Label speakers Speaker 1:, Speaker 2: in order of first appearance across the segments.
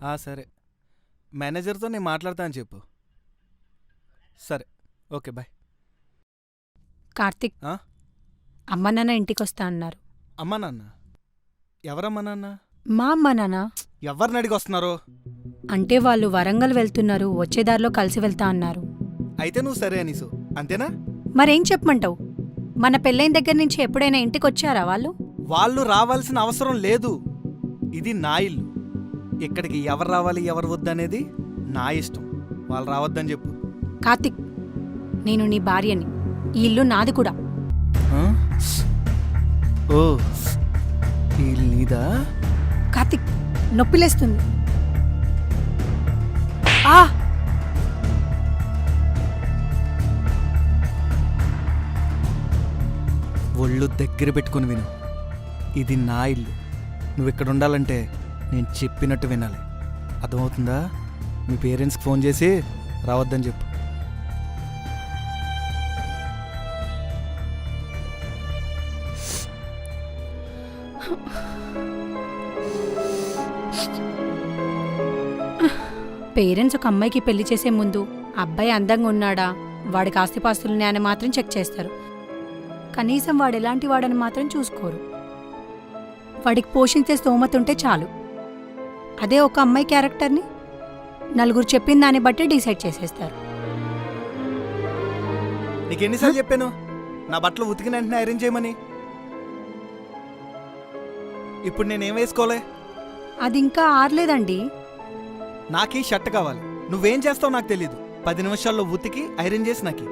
Speaker 1: సరే, మేనేజర్తో నేను మాట్లాడతా అని చెప్పు. సరే, ఓకే, బాయ్.
Speaker 2: కార్తిక్, అమ్మ నాన్న ఇంటికొస్తా అన్నారు.
Speaker 1: అమ్మా నాన్న? ఎవరమ్మా నాన్న?
Speaker 2: మా అమ్మ నాన్న.
Speaker 1: ఎవరిని అడిగి వస్తున్నారు?
Speaker 2: అంటే వాళ్ళు వరంగల్ వెళ్తున్నారు, వచ్చేదారిలో కలిసి వెళ్తా అన్నారు.
Speaker 1: అయితే నువ్వు సరే అనీసు, అంతేనా?
Speaker 2: మరేం చెప్పమంటావు? మన పెళ్ళైన దగ్గర నుంచి ఎప్పుడైనా ఇంటికొచ్చారా వాళ్ళు?
Speaker 1: వాళ్ళు రావాల్సిన అవసరం లేదు. ఇది నా ఇల్లు. ఇక్కడికి ఎవరు రావాలి ఎవరు వద్దనేది నా ఇష్టం. వాళ్ళు రావద్దని చెప్పు.
Speaker 2: కార్తిక్, నేను నీ భార్యని. ఈ ఇల్లు నాది కూడా.
Speaker 1: ఓ, ఈ ఇల్లు నీదా?
Speaker 2: కార్తిక్, నొప్పిలేస్తుంది.
Speaker 1: ఒళ్ళు దగ్గర పెట్టుకుని విను. ఇది నా ఇల్లు. నువ్వు ఇక్కడ ఉండాలంటే నేను చెప్పినట్టు వినాలి. అర్థమవుతుందా? మీ పేరెంట్స్కి ఫోన్ చేసి రావద్దని చెప్పు.
Speaker 2: పేరెంట్స్ ఒక అమ్మాయికి పెళ్లి చేసే ముందు అబ్బాయి అందంగా ఉన్నాడా, వాడికి ఆస్తిపాస్తులున్నాయని అని మాత్రం చెక్ చేస్తారు. కనీసం వాడు ఎలాంటి వాడని మాత్రం చూసుకోరు. వాడికి పోషించే స్తోమత ఉంటే చాలు. అదే ఒక అమ్మాయి క్యారెక్టర్ని నలుగురు చెప్పిన దాన్ని బట్టి డిసైడ్ చేసేస్తారు.
Speaker 1: నీకెన్నిసార్లు చెప్పాను నా బట్టలు ఉతికిన వెంటనే ఐరన్ చేయమని? ఇప్పుడు నేనేం వేసుకోలే?
Speaker 2: అది ఇంకా ఆరలేదండి.
Speaker 1: నాకీ షర్ట్ కావాలి. నువ్వేం చేస్తావు నాకు తెలీదు. 10 నిమిషాల్లో ఉతికి ఐరన్ చేసి నాకి.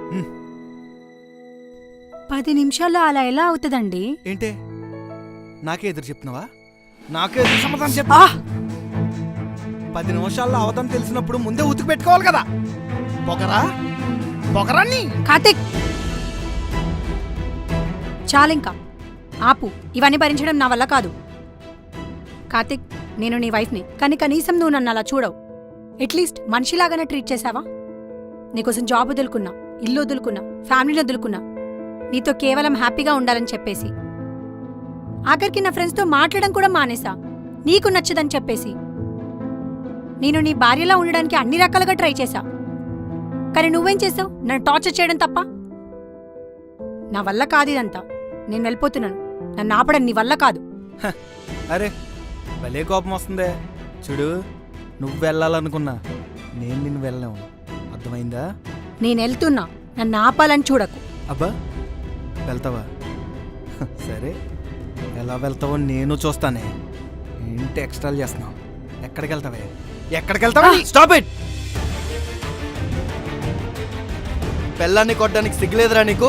Speaker 2: 10 నిమిషాల్లో అలా ఎలా అవుతుందండి?
Speaker 1: ఏంటే నాకే ఎదురు చెప్తున్నావా? నాకే ఎదురు సమాధానం చెప్పా. 10 నిమిషాల్లో అవతం తెలిసినప్పుడు ముందే ఉతికి పెట్టుకోవాలి కదా. పొగరాన్ని.
Speaker 2: కార్తిక్, చాలింకా ఆపు. ఇవన్నీ భరించడం నా వల్ల కాదు. కార్తిక్, నేను నీ వైఫ్ని, కానీ కనీసం నువ్వు నన్ను అలా చూడవు. అట్లీస్ట్ మనిషిలాగానే ట్రీట్ చేసావా? నీకోసం జాబ్ వదులుకున్నా, ఇల్లు వదులుకున్నా, ఫ్యామిలీని వదులుకున్నా, నీతో కేవలం హ్యాపీగా ఉండాలని చెప్పేసి. ఆఖరికి నా ఫ్రెండ్స్తో మాట్లాడడం కూడా మానేసా, నీకు నచ్చదని చెప్పేసి. నేను నీ భార్యలా ఉండడానికి అన్ని రకాలుగా ట్రై చేశా, కానీ నువ్వేం చేసావు? నన్ను టార్చర్ చేయడం తప్ప. నా వల్ల కాదు ఇదంతా. నేను వెళ్ళిపోతున్నాను. నన్ను ఆపడం నీ వల్ల కాదు.
Speaker 1: అరే, భలే కోపం వస్తుందే. చూడు, నువ్వు వెళ్ళాలనుకున్నా నేను నిన్ను వెళ్ళలేవు. అర్థమైందా?
Speaker 2: నేను వెళ్తున్నా, నన్ను ఆపాలని చూడకు.
Speaker 1: అబ్బా, వెళ్తావా? సరే, ఎలా వెళ్తావో నేను చూస్తానే. ఏంటి ఎక్స్ట్రాలు చేస్తున్నావు? ఎక్కడికి వెళ్తావే? ఎక్కడికి వెళ్తావా? Stop it! పెళ్ళాన్ని కొట్టడానికి సిగ్గులేదురా నీకు?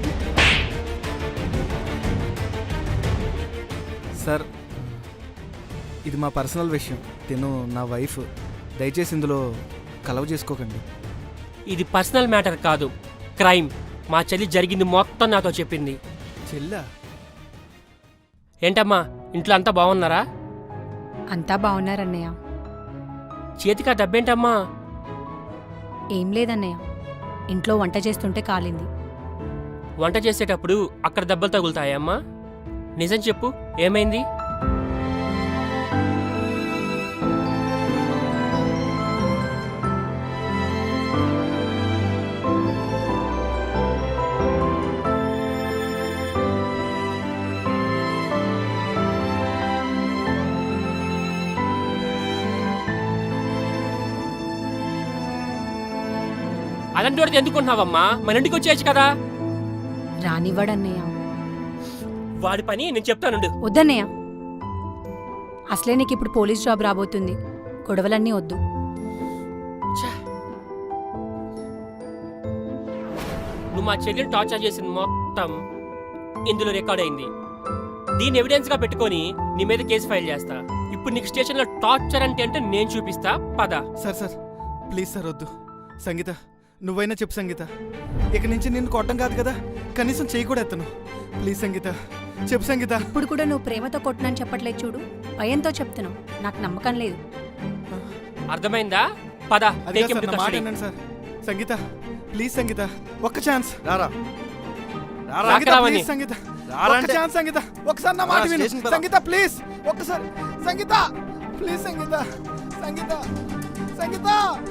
Speaker 1: సార్, ఇది మా పర్సనల్ విషయం. తిను నా వైఫ్. దయచేసి ఇందులో కలవ చేసుకోకండి.
Speaker 3: ఇది పర్సనల్ మ్యాటర్ కాదు, క్రైమ్. మా చెల్లి జరిగింది మొత్తం నాతో చెప్పింది.
Speaker 1: చెల్లా?
Speaker 3: ఏంటమ్మా, ఇంట్లో అంతా బాగున్నారా?
Speaker 2: అంతా బాగున్నారన్నయ్య.
Speaker 3: చేతికా దెబ్బేంటమ్మా?
Speaker 2: ఏం లేదన్నయ్య, ఇంట్లో వంట చేస్తుంటే కాలింది.
Speaker 3: వంట చేసేటప్పుడు అక్కడ దెబ్బలు తగులుతాయమ్మా? నిజం చెప్పు, ఏమైంది? అలాంటి వాడితే ఎందుకుంటున్నావమ్మా? మన ఇంటికి వచ్చేయచ్చు కదా.
Speaker 2: రానివ్వడన్నయ్య.
Speaker 3: వాడి పని నేను చెప్తానుండు.
Speaker 2: వద్దన్నయ్య, అసలే నీకు ఇప్పుడు పోలీస్ జాబ్ రాబోతుంది. గొడవలన్నీ వద్దు.
Speaker 3: నువ్వు మా చెల్లిని టార్చర్ చేసింది మొత్తం ఇందులో రికార్డ్ అయింది. దీన్ని ఎవిడెన్స్ గా పెట్టుకొని నీ మీద కేసు ఫైల్ చేస్తా. ఇప్పుడు నీకు స్టేషన్ లో టార్చర్ అంటే నేను చూపిస్తా. పద.
Speaker 1: సార్ ప్లీజ్ సార్, వద్దు. సంగీత, నువ్వైనా చెప్పు సంగీత. ఇక నుంచి నిన్ను కొట్టం కాదు కదా, కనీసం చేయి కూడా ఎత్తను. ప్లీజ్ సంగీత, చెప్పు సంగీత.
Speaker 2: ఇప్పుడు కూడా నువ్వు ప్రేమతో కొట్టునని చెప్పట్లేదు చూడు, భయంతో చెప్తున్నావు. నాకు నమ్మకం లేదు.
Speaker 3: అర్థమైందా? పద.
Speaker 1: సార్ సంగీత, ప్లీజ్ సంగీత, ఒక్క ఛాన్స్. సంగీత, సంగీత, ఒకసారి నా మాట విను. సంగీత ప్లీజ్, ఒక్కసారి. సంగీత ప్లీజ్, సంగీత, సంగీత సంగీత